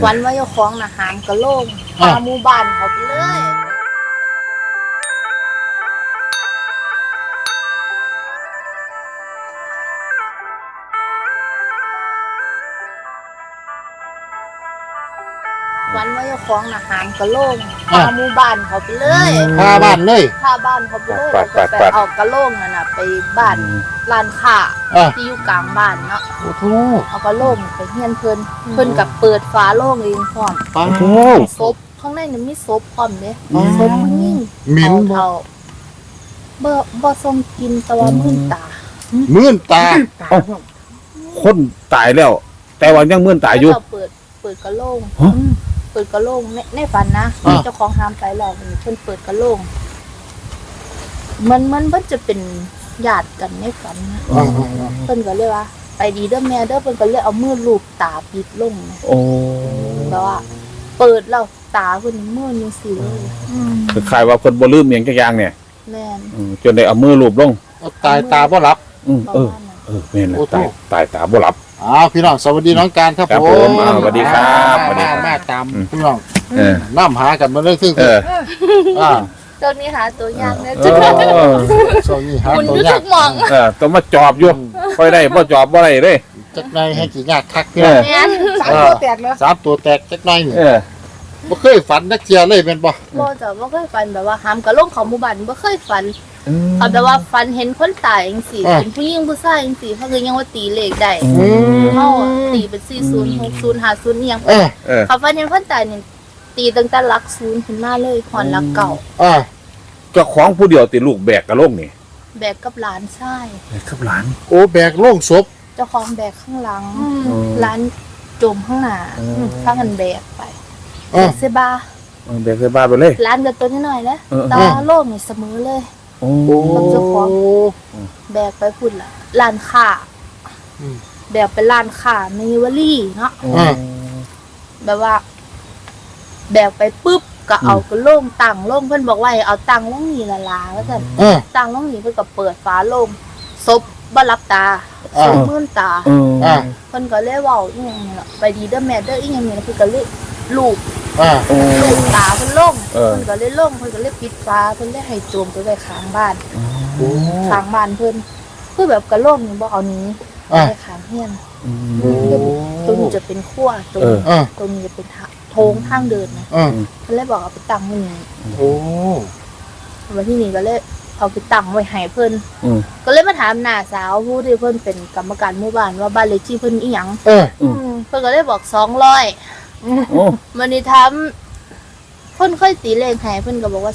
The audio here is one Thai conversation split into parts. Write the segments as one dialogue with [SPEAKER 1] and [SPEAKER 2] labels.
[SPEAKER 1] วันว่าเจ้าของอาหารกะโล่งพาหมู่บ้านเขาไปเลยวันว่าเจ้าของอาหารกะโล่งพาหมู่บ้านเขาไปเลย
[SPEAKER 2] พาบ้านเลย
[SPEAKER 1] พาบ้านเขาไปเลยแล้วก็ไปเอากะโล่งนั่นน่ะไปบ้านร้านค้าที่อยู่กลางบ้านเนาะ
[SPEAKER 2] โอ้โห
[SPEAKER 1] เอากะโล่งไปเฮียนเพิ่นกับเปิดฝาโล่งเองพร้อม
[SPEAKER 2] โอ้โห
[SPEAKER 1] ศพข้างในนี่มีศพพร้อมเด้ศพผู้หญิง
[SPEAKER 2] หมิ่นบ่
[SPEAKER 1] เอาบ่ทรงกินแต่ว่ามื่นตา
[SPEAKER 2] มื่นตา
[SPEAKER 3] คนตายแล้ว แต่ว่ายังมื่นตายอยู่
[SPEAKER 1] แล้วก็เปิดกะโหลกเปิดกะโหลกในฝันนะเจ้าของห้ามไปแล้วเพิ่นเปิดกะโหลกมันจะเป็นญาติกันในฝันนะเพิ่นก็เลยว่าไปดีเด้อแม่เด้อเพิ่นก็เลยเอามือลูบตาปิดลง
[SPEAKER 3] โอ้
[SPEAKER 1] แบบว่า เปิดแล้วตาเพิ่นมือจังซี่เลย
[SPEAKER 3] คือคล้ายว่าเพิ่นบ่ลืมหยังจักอย่างเนี่ย
[SPEAKER 1] แม่น
[SPEAKER 3] จนได้เอามือลูบลง
[SPEAKER 2] ตายตาบ่หลับ
[SPEAKER 1] ประมาณนั้น
[SPEAKER 3] แม่นแล้วตายตาบ่หลับ
[SPEAKER 2] พี่น้องสวัสดีน้องการครับ
[SPEAKER 3] ครับ
[SPEAKER 2] ผ
[SPEAKER 3] ผม มสวัสดีครับสวัสดีครับ
[SPEAKER 2] มาตามพี่น้อง
[SPEAKER 3] เออ
[SPEAKER 2] น้ำหากันมาเลยคือ
[SPEAKER 3] เออ
[SPEAKER 1] ตอนนี้หาตัวยากนะ
[SPEAKER 3] เอ
[SPEAKER 1] จุด
[SPEAKER 3] อ
[SPEAKER 2] โซนี่หา
[SPEAKER 1] คุณ
[SPEAKER 2] ตัว
[SPEAKER 1] อยู่
[SPEAKER 2] ยา
[SPEAKER 1] ทุ
[SPEAKER 2] ก
[SPEAKER 1] กหมอง
[SPEAKER 3] ต้องมาจอบอยู่ค่อยได้บ่จอบบ่ได้เด้
[SPEAKER 2] จักหน่อยให้กี่ยากคักพี่น้อง
[SPEAKER 1] แม่น
[SPEAKER 2] สามตัวแตกแล้ว3 ตัวแตกจักหน่อยนี่
[SPEAKER 3] เออ
[SPEAKER 2] บ่เคยฝันนักเจียเลยเป็นบ่
[SPEAKER 1] บ่จ้ะบ่เคยฝันแบบว่าหามกะลงของหมู่บ้านบ่เคยฝันเขาแบบว่าฝันเห็นคนตายจังซี่เป็นผู้หญิงผู้ชายจังซี่เขาคือยังว่าตีเลขได้เฮาตีเป็น40 60 50อีหยัง
[SPEAKER 2] เออ
[SPEAKER 1] เขาฝันเห็นคนตายนี่ตีตั้งแต่หลัก0ขึ้นมาเลยฮอดหลักเก่า
[SPEAKER 3] เจ้าของผู้เดียวติลูกแบกกระโลกนี่
[SPEAKER 1] แบกกับหลานชาย
[SPEAKER 3] ครับหลาน
[SPEAKER 2] โอ้แบกโล่งศพ
[SPEAKER 1] เจ้าของแบกข้างหลังหลานจมข้างหน้าพากันแบกไปแบกเสบา
[SPEAKER 3] แบกใส่บ้านไปเลย
[SPEAKER 1] หลานก็ตัวน้อยๆนะตาโล่งนี่เสมอเลย
[SPEAKER 3] โอ้
[SPEAKER 1] กับเจ้าของ แบกไปพุ่นละร้านค้าแบกไปร้านค้าในวลีเนาะแบบว่า แบกไปปุ๊บก็เอาก็โล่งตังโล่งเพิ่นบอกว่าให้เอาตังลงนี่ละลาว่าซั่นตังลงนี่เพิ่นก็เปิดฝาโล่งศพบ่รับตาศพมื่นตาเพิ่นก็เลยเว้าอีหยังนี่ล่ะไปดีเด้อแม่เด้ออีหยังนี่เพิ่นก็เลยลูกตาเพิ่นลงเพิ่นก็เลยลงเพิ่นก็เลยปิดฝาเพิ่นเลยให้โจมไปไว้ข้างบ้านข้างบ้านเพิ่นคือแบบกระโหลกนี่บ่เอานี้ไว้ข้างเฮียนตรงนี้จะเป็นครัวตรงนี้จะเป็นโถงทางเดินนะเพิ่นเลยบอกเอาไปตั้งไว้นี่วันที่นี่ก็เลยเอาไปตั้งไว้ให้เพิ่นก็เลยมาถามน้าสาวผู้ที่เพิ่นเป็นกรรมการหมู่บ้านว่าบ้านเลขที่เพิ่นอีหยังเพิ่นก็เลยบอก200วันนี้ถามเพิ่นค่อยตีเลขให้เพิ่นก็บอกว่า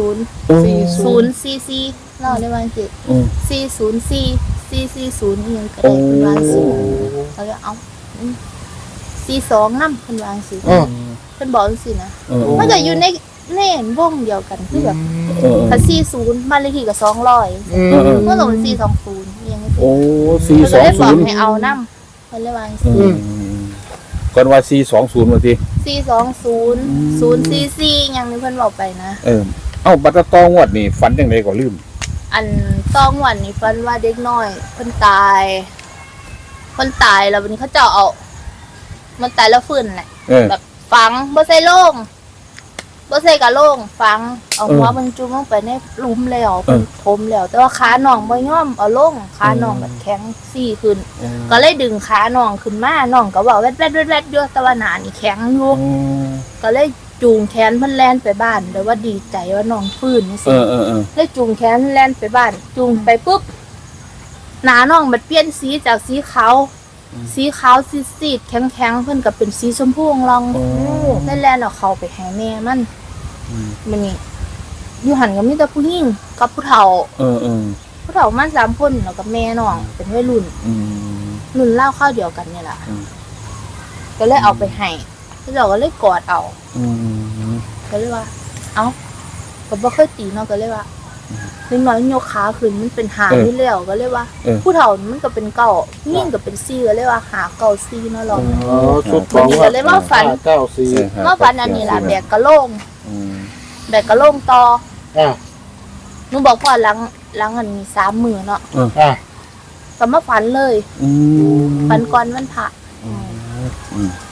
[SPEAKER 1] 40เนาะได้ว่าสิ404 440อีหยังก็ได้เพิ่นว่าสิแล้วก็เอา42นำเพิ่นว่าสิเพิ่นบอกจังซี่นะมันก็อยู่ในวงเดียวกันคือแบบถ้า40บ้านเลขที่ก็200มันก็ต้อง420อีหยังจังซี่
[SPEAKER 3] โอ้
[SPEAKER 1] เพิ่นก็เลยบอกให้
[SPEAKER 3] 420
[SPEAKER 1] เอานำเพิ่นเลยว่าจังซี่
[SPEAKER 3] ก่อนว่า420ว่าติ
[SPEAKER 1] 420 044ยังนี่เพิ่นบอกไปนะ
[SPEAKER 3] เอ้าบัตรตองวดนี่ฝันจังไดก็ลืม
[SPEAKER 1] อันต้องวันนี้เพิ่นว่าเด็กน้อยเพิ่นตายแล้ววันนี้เขาเจ้าเอามันตายแล้วฟื้นแหละแบบฝังบ่ใส่โลงบ่ใส่กะโลงฝังเอาหัวมันจุ่มลงไปในหลุมแล้วเพิ่นถมแล้วแต่ว่าขาน้องบ่ยอมเอาลงขาน้องมันแข็งซี่ขึ้นก็เลยดึงขาน้องขึ้นมาน้องก็เว้าแวดๆๆๆอยู่แต่ว่าหน้านี่แข็งอยู่ก็เลยจูงแขนเพิ่นแล่นไปบ้านแต่ว่าดีใจว่าน้องฟื้นนี่สิเลยจูงแขนแล่นไปบ้านจูงไปปุ๊บหน้าน้องมันเปลี่ยนสีจากสีขาวซีดๆแข็งๆเพิ่นก็เป็นสีชมพูอ่องๆได้แล่นเอาเข้าไปให้แม่มันนี่อยู่หันก็มีแต่ผู้หญิงกับผู้เฒ่าผู้เฒ่ามัน3คนแล้วก็แม่น้องเป็นวัยรุ่นรุ่นราวคราวเดียวกันนี่ล่ะก็เลยเอาไปให้เราก็เลยกอดเอาก็เลยว่าเอ้าก็บ่เคยตีเนาะก็เลยว่านิดหน่อยยกขาขึ้นมันเป็นหานี่แล้วก็เลยว่าผู้เฒ่ามันก็เป็นเก้ายิ่งก็เป็น4ก็เลยว่าหาเก้า4เนาะลองวันนี้ก็เลยมาฝันอันนี้ล่ะแบกกะโหลงต่อหนูบอกพ่อหลังอันนี้3มื้อเนาะก็มาฝันเลยฝันก่อนวันพระ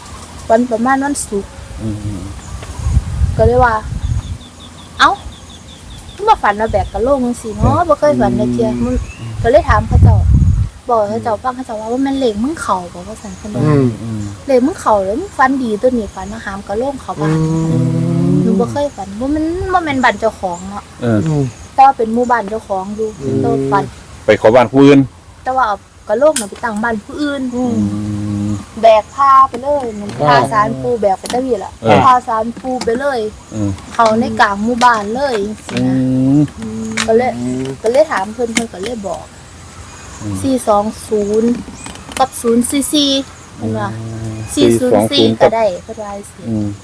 [SPEAKER 1] วันประมาณวันศุกร์
[SPEAKER 3] อืม
[SPEAKER 1] ก็เลยว่า เอ้ามาฝันมาแบกกระโหลกจังซี่เนาะบ่เคยฝันในเที่ยมันก็เลยถามเขาเจ้าบอกเขาเจ้าฟังเขาเจ้าว่ามันเหล็กมึงเข่าบอกว่าซั่นเพิ่นว่า
[SPEAKER 3] อืม
[SPEAKER 1] เหล็กมึงเข่าแล้วมึงฝันดีตัวนี้ฝันมาหามกระโหลกเขาบ้านหนูบ่เคยฝันว่ามันบ่แม่นบ้านเจ้าของเนาะ แต่ว่าเป็นหมู่บ้านเจ้าของอยู่แต่ว่าฝัน
[SPEAKER 3] ไปขอบ้านผู้อื่น
[SPEAKER 1] แต่ว่าเอากระโหลกน่ะไปตั้งบ้านผู้อื่น
[SPEAKER 3] อืม
[SPEAKER 1] แบกพาไปเลยเหมือนพาสารปูแบกไปตะวีล่ะ
[SPEAKER 3] เออ
[SPEAKER 1] พาสารปูไปเลย
[SPEAKER 3] อืม
[SPEAKER 1] เขาในกลางหมู่บ้านเลยจังซี่
[SPEAKER 3] อื
[SPEAKER 1] นะ
[SPEAKER 3] ม
[SPEAKER 1] ก็เลยถามเพิ่นก็เลยบอก 420 กับ 044เห็นว่า404 ก็ได้เพิ่นว่าสิ
[SPEAKER 3] อืม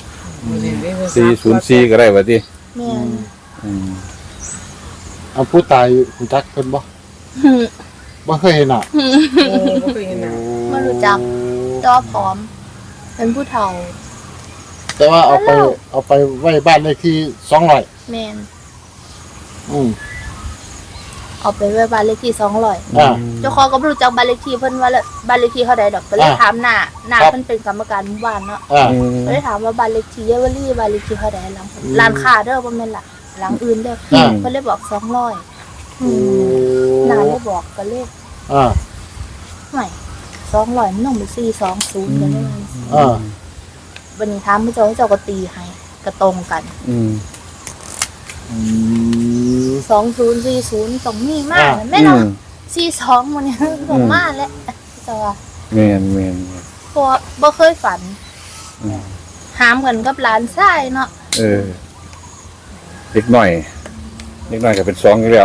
[SPEAKER 3] 404ก็ได้ว่าติ
[SPEAKER 1] แม่น
[SPEAKER 3] อืม
[SPEAKER 2] เอาผู้ตายรู้จักเพิ่นบ่บ่เคยเห็นอ่ะ
[SPEAKER 4] บ่เคยเห็นหน้า
[SPEAKER 1] บ่รู้จักแต่ว่าพร้อม เป็นผู้เฒ่า
[SPEAKER 2] แต่ว่าเอาไปไว้บ้านเลขที่200
[SPEAKER 1] แม่น
[SPEAKER 2] อืม
[SPEAKER 1] เอาไปไว้บ้านเลขที่200
[SPEAKER 2] อ่า
[SPEAKER 1] เจ้าของก็บ่รู้จักบ้านเลขที่เพิ่นว่าบ้านเลขที่เท่าใดดอกก็เลย
[SPEAKER 2] อ่า
[SPEAKER 1] ถามหน้า
[SPEAKER 2] ครับ
[SPEAKER 1] เพิ่นเป็นกรรมการหมู่บ้านเนาะ
[SPEAKER 2] อ่า
[SPEAKER 1] ก็เลยถามว่าบ้านเลขที่เยาวรีบ้านเลขที่เท่าใดหลังร้านค้าเด้อบ่แม่นหลังอื่นเด้อ
[SPEAKER 2] อ่า
[SPEAKER 1] เพิ่นเลยบอก200หน้าเลยบอกก็เลย
[SPEAKER 2] อ่า
[SPEAKER 1] ไม่200มันต้องเป็น420กันเลย
[SPEAKER 2] อ่า
[SPEAKER 1] วันนี้ถามพระเจ้าก็ตีให้ก็ตรงกัน
[SPEAKER 3] อืม
[SPEAKER 2] อืม
[SPEAKER 1] 2040ต้องมีมากแม่เนาะ42มันเนี่ยต้องมาแล้วเจ้าว่า
[SPEAKER 3] แม่น
[SPEAKER 1] เพราะว่าบ่เคยฝัน
[SPEAKER 3] อืม
[SPEAKER 1] หามกันกับหลานชายเนาะ
[SPEAKER 3] เออเล็กน้อยก็เป็น2อยู่แล้ว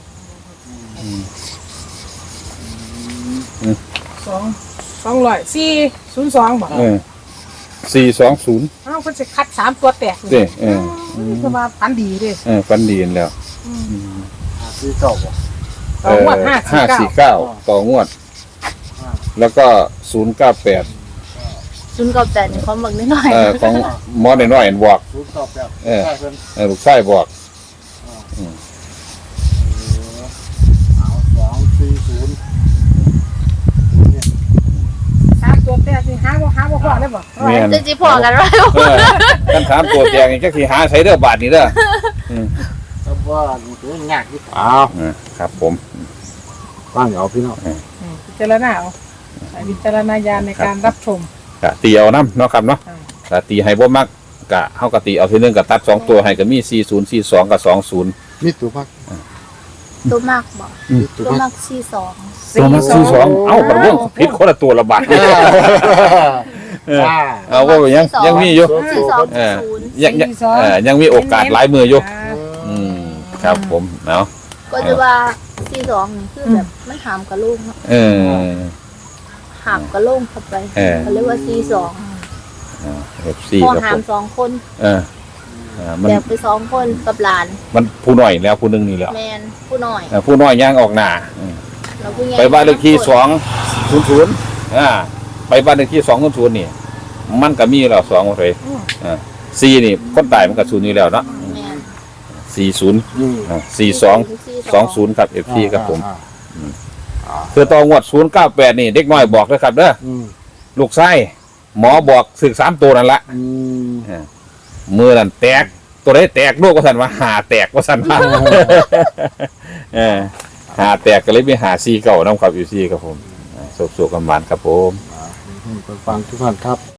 [SPEAKER 4] 200 402บ่
[SPEAKER 3] เออ420
[SPEAKER 4] อ้าวเพิ่นสิคัด3ตัวแตก
[SPEAKER 3] เด้เออ
[SPEAKER 4] คือว่าพันดีเด้
[SPEAKER 3] ฟันดีนแล้ว
[SPEAKER 2] ที่เก่าบ่
[SPEAKER 4] ต่องวด549
[SPEAKER 3] ต่องวด แล้วก็098
[SPEAKER 1] 098นี่ความบักนิดหน่อย
[SPEAKER 3] ของหมอน้อยๆบอก
[SPEAKER 2] 098
[SPEAKER 3] เออ
[SPEAKER 2] ใช่เพิ่น
[SPEAKER 3] ลูกชายบอก
[SPEAKER 2] เอา240
[SPEAKER 4] 3ตัวแตกนี่หาบ่พอได้บ่
[SPEAKER 3] แม่น
[SPEAKER 1] จะสิพอกันไว้
[SPEAKER 3] กันถามตัวแจงนี่จักสิหาใช้เด้อบาทนี่เด้อ
[SPEAKER 2] แต่ว่ามันยากที่อ้าว
[SPEAKER 3] ครับผม
[SPEAKER 2] ฟังเอาพี่น้อง
[SPEAKER 4] พิจารณาเอาใช้วิจารณญาณในการรับชม
[SPEAKER 3] กะตีเอานำเนาะครับเนาะกะตีให้บ่มักกะเฮาก็ตีเอาทีนึงก็ตัด2ตัวให้ก็มี40 42กับ20
[SPEAKER 2] มีตัวพัก
[SPEAKER 1] ตัวมากบ่
[SPEAKER 2] มีตัว
[SPEAKER 1] ตัว
[SPEAKER 2] พัก
[SPEAKER 1] มาก42
[SPEAKER 3] ตัวมัก42เอ้าบ่วงผิดคนละตัวละบาทเอาว่ายังมีอยู่ ยังมีโอกาสหลายมืออยู่ครับผมเนาะ
[SPEAKER 1] ก็จะว่า42นี่คือแบบมันหามกระโหลกเนาะ หามกระโหลกเข้าไปเขาเรียกว่า42
[SPEAKER 3] FC
[SPEAKER 1] พอ
[SPEAKER 3] ครับ
[SPEAKER 1] หา
[SPEAKER 3] ผม ม
[SPEAKER 1] 2คน
[SPEAKER 3] มัน
[SPEAKER 1] แบบไป2คนกับหลาน
[SPEAKER 3] มันผู้น้อยแล้วผู้นึงนี่แล้ว
[SPEAKER 1] แมนผู้น้อย
[SPEAKER 3] ผู้น้อยย่างออกหน้า
[SPEAKER 1] แล้วผู้ใหญ่
[SPEAKER 3] ไปบ้านเลขที่200ไปบ้านเลขที่200นี่มันก็มีแล้ว2เลย4นี่คนตายมันก็0อยู่แล้วเนาะ
[SPEAKER 1] แมน
[SPEAKER 3] 40 42 20ครับ FC ครับผมคือต่องวด098นี่เด็กน้อยบอกเลยครับเด้อลูกไส้หมอบอกสึก3ตัวนั่นละมือนั่นแตกตัวได้แตกลูกว่าสันว่าหาแตกว่าสันว่าหาแตกก็เลยไปหาซีเก่าน้ำครับอยู่ซีครับผมสุกๆกันหวานครับผม
[SPEAKER 2] ฟังทุกท่านครับ